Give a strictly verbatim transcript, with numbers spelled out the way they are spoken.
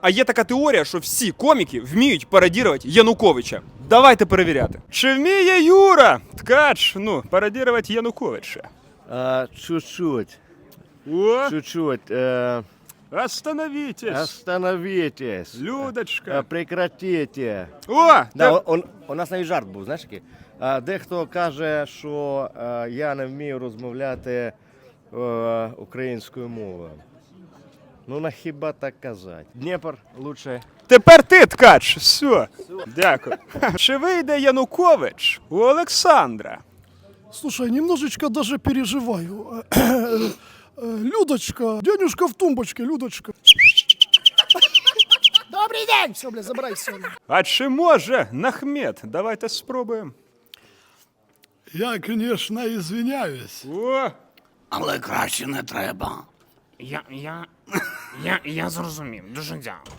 А є така теорія, що всі коміки вміють пародірувати Януковича. Давайте перевіряти. Чи вміє Юра Ткач, ну, пародірувати Януковича? А, чуть-чуть, О, чуть-чуть. Э, остановитесь, остановитесь. А, Людочка. прекратите. О, Да, та- он, он, у нас навіть жарт був, знаєш який? А, дехто каже, що е, я не вмію розмовляти е, українською мовою. Ну, на хіба так казати? Дніпр лучше. Тепер ти, Ткач, все. Дякую. Чи вийде Янукович у Олександра? Слушай, немножечко даже переживаю. Э, Людочка, денежка в тумбочке, Людочка. Добрый день! Все, бля, забирай все. А чи може Нахмет? Давайте спробуємо. Я, конечно, извиняюсь. О, Але краще не треба. Я, я, я, я зрозумів. Дуже дякую.